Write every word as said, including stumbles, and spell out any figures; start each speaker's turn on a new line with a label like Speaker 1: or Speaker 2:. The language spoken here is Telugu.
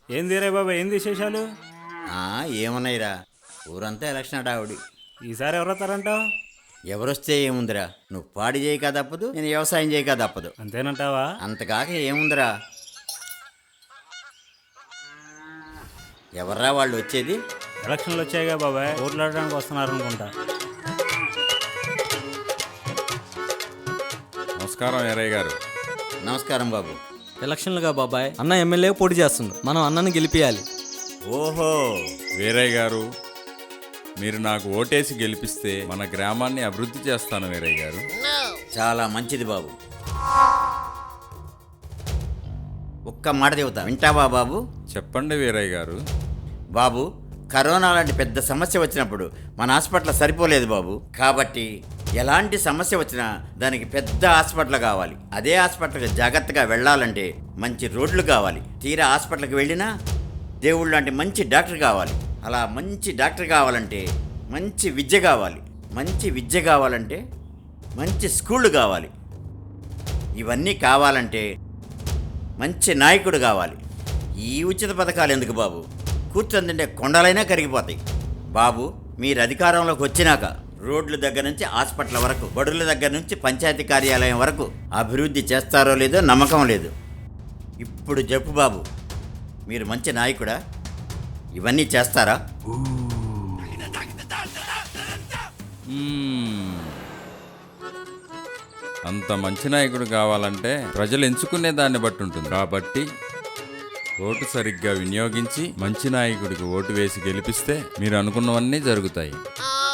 Speaker 1: ఏంది రే బాబా, ఏంది విశేషాలు?
Speaker 2: ఆ, ఏమున్నాయిరా, ఊరంతా ఎలక్షన్ హడావుడి.
Speaker 1: ఈసారి ఎవరు వస్తారంటావు?
Speaker 2: ఎవరొస్తే ఏముందిరా, నువ్వు పాడి చేయక తప్పదు, నేను వ్యవసాయం చేయక తప్పదు.
Speaker 1: అంతేనంటావా?
Speaker 2: అంతకాక ఏముందిరా. ఎవర్రా వాళ్ళు వచ్చేది?
Speaker 1: ఎలక్షన్లు వచ్చాయిగా బాబాయ్, ఓట్లాడడానికి వస్తున్నారు అనుకుంటా.
Speaker 3: నమస్కారం ఎరయ్య గారు.
Speaker 2: నమస్కారం బాబు.
Speaker 4: ఎలక్షన్లుగా బాబాయ్, అన్న ఎమ్మెల్యే పోటీ చేస్తుండ్రు, మనం అన్నని గెలిపియాలి.
Speaker 2: ఓహో,
Speaker 3: వీరయ్య గారు, మీరు నాకు ఓటేసి గెలిపిస్తే మన గ్రామాన్ని అభివృద్ధి చేస్తాను వీరయ్య గారు.
Speaker 2: చాలా మంచిది బాబు. ఒక్క మాట చెబుతా, వింటావా బాబు?
Speaker 3: చెప్పండి వీరయ్య గారు.
Speaker 2: బాబు, కరోనా లాంటి పెద్ద సమస్య వచ్చినప్పుడు మన హాస్పిటల్ సరిపోలేదు బాబు. కాబట్టి ఎలాంటి సమస్య వచ్చినా దానికి పెద్ద హాస్పిటల్ కావాలి. అదే హాస్పిటల్కి జాగ్రత్తగా వెళ్ళాలంటే మంచి రోడ్లు కావాలి. తీరా హాస్పిటల్కి వెళ్ళినా దేవుళ్ళు లాంటి మంచి డాక్టర్ కావాలి. అలా మంచి డాక్టర్ కావాలంటే మంచి విద్య కావాలి. మంచి విద్య కావాలంటే మంచి స్కూళ్ళు కావాలి. ఇవన్నీ కావాలంటే మంచి నాయకుడు కావాలి. ఈ ఉచిత పథకాలు ఎందుకు బాబు? కూర్చొని తింటే కొండలైనా కరిగిపోతాయి. బాబు, మీరు అధికారంలోకి వచ్చినాక రోడ్ల దగ్గర నుంచి హాస్పిటల్ వరకు, బడుల దగ్గర నుంచి పంచాయతీ కార్యాలయం వరకు అభివృద్ధి చేస్తారో లేదో నమ్మకం లేదు. ఇప్పుడు చెప్పు బాబు, మీరు మంచి నాయకుడా? ఇవన్నీ చేస్తారా?
Speaker 3: మ్మ్. అంత మంచి నాయకుడు కావాలంటే ప్రజలు ఎంచుకునే దాన్ని బట్టి ఉంటుంది. కాబట్టి ఓటు సరిగ్గా వినియోగించి మంచి నాయకుడికి ఓటు వేసి గెలిపిస్తే మీరు అనుకున్నవన్నీ జరుగుతాయి.